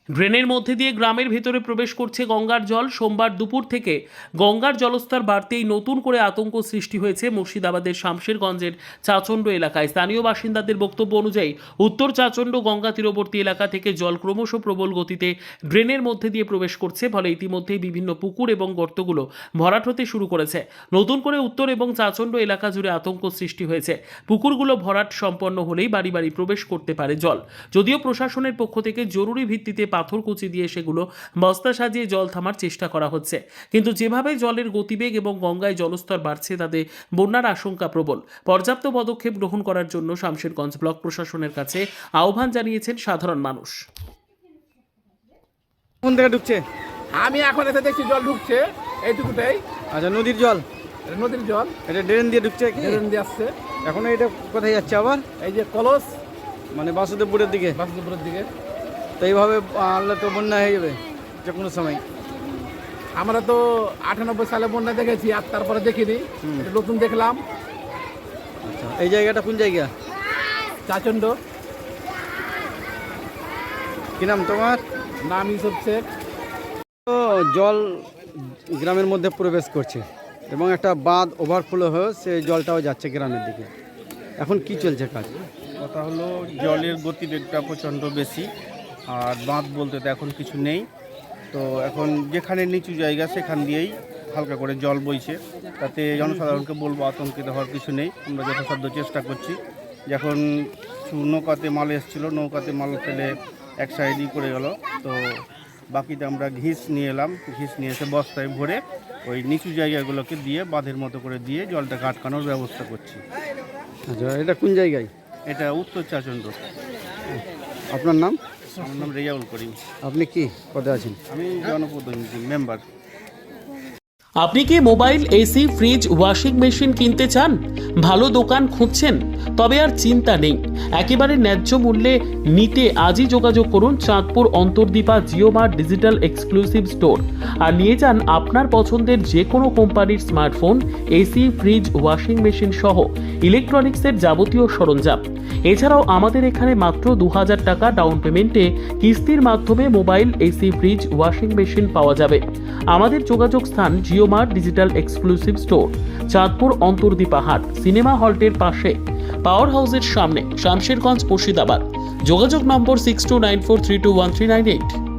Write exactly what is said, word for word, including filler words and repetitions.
ড্রেনের মধ্যে দিয়ে গ্রামের ভেতরে প্রবেশ করছে গঙ্গার জল। সোমবার দুপুর থেকে গঙ্গার জলস্তর বাড়তেই নতুন করে আতঙ্ক সৃষ্টি হয়েছে মুর্শিদাবাদের শামশেরগঞ্জের চাচণ্ড এলাকায়। স্থানীয় বাসিন্দাদের বক্তব্য অনুযায়ী উত্তর চাচণ্ড গঙ্গা তীরবর্তী এলাকা থেকে জল ক্রমশ প্রবল গতিতে ড্রেনের মধ্যে দিয়ে প্রবেশ করছে, ফলে ইতিমধ্যেই বিভিন্ন পুকুর এবং গর্তগুলো ভরাট হতে শুরু করেছে। নতুন করে উত্তর এবং চাচণ্ড এলাকা জুড়ে আতঙ্ক সৃষ্টি হয়েছে। পুকুরগুলো ভরাট সম্পন্ন হলেই বাড়ি বাড়ি প্রবেশ করতে পারে জল। যদিও প্রশাসনের পক্ষ থেকে জরুরি ভিত্তিতে পাথর কুচি দিয়ে সেগুলো বস্তা সাজিয়ে জল থামার চেষ্টা করা হচ্ছে, কিন্তু যেভাবে জলের গতিবেগ এবং গঙ্গায় জলস্তর বাড়ছে তাতে বন্যার আশঙ্কা প্রবল। পর্যাপ্ত পদক্ষেপ গ্রহণ করার জন্য শামশেরগঞ্জ ব্লক প্রশাসনের কাছে আহ্বান জানিয়েছেন সাধারণ মানুষ। কোন থেকে ঢুকছে? আমি এখন এসে দেখছি জল ঢুকছে এইটুকুটাই। আচ্ছা, নদীর জল? এটা নদীর জল, এটা ড্রেন দিয়ে ঢুকছে কি? ড্রেন দিয়ে আসছে। এখন এটা কোথায় যাচ্ছে আবার? এই যে কলস, মানে বাসুদেবপুরের দিকে। বাসুদেবপুরের দিকে। তো এইভাবে আনলে তো বন্যা হয়ে যাবে যে কোনো সময়। আমরা তো আটানব্বই সালে বন্যা দেখেছি, আর তারপরে দেখিনি, এটা নতুন দেখলাম। আচ্ছা, এই জায়গাটা কোন জায়গা? চাচণ্ড। কি নাম তোমার? নাম ইউসুফ শেখ। তো জল গ্রামের মধ্যে প্রবেশ করছে এবং একটা বাঁধ ওভারফ্লো হয়ে সেই জলটাও যাচ্ছে গ্রামের দিকে। এখন কি চলছে কাজ? কথা হলো জলের গতিবেগটা প্রচণ্ড বেশি, আর বাঁধ বলতে তো এখন কিছু নেই। তো এখন যেখানে নিচু জায়গা সেখান দিয়েই হালকা করে জল বইছে, তাতে জনসাধারণকে বলবো আতঙ্কিত হওয়ার কিছু নেই। আমরা যথাসাধ্য চেষ্টা করছি। যখন নৌকাতে মাল এসেছিলো, নৌকাতে মাল ফেলে এক সাইডই করে গেল, তো বাকিটা আমরা ঘিস নিয়ে এলাম। ঘিস নিয়ে এসে বস্তায় ভরে ওই নিচু জায়গাগুলোকে দিয়ে বাঁধের মতো করে দিয়ে জলটাকে আটকানোর ব্যবস্থা করছি। আচ্ছা, এটা কোন জায়গায়? এটা উত্তর চাচণ্ড। আপনার নাম? আমার নাম রেজাউল করিম। আপনি কি পদে আছেন? আমি জনপ্রতিনিধি মেম্বার। আপনি কি mobile, AC, fridge, washing machine কিনতে চান? ভালো দোকান খুঁজছেন? তবে আর চিন্তা নেই, একেবারে ন্যায্য মূল্যে নিতে আজই যোগাযোগ করুন Chandpur Antardipa JioMart digital exclusive store আর নিয়ে যান আপনার পছন্দের যে কোনো কোম্পানির smartphone, AC, fridge, washing machine সহ ইলেকট্রনিক্সের যাবতীয় সরঞ্জাম। এছাড়াও আমাদের এখানে মাত্র দু হাজার টাকা ডাউন পেমেন্টে কিস্তির মাধ্যমে mobile, AC, fridge, washing machine পাওয়া যাবে। আমাদের যোগাযোগ স্থান JioMart digital exclusive store, Chandpur Antardipa হাট, সিনেমা হলটির পাশে, পাওয়ার হাউসের সামনে, শামশেরগঞ্জ, মুর্শিদাবাদ। যোগাযোগ number six two nine four three two one three nine eight.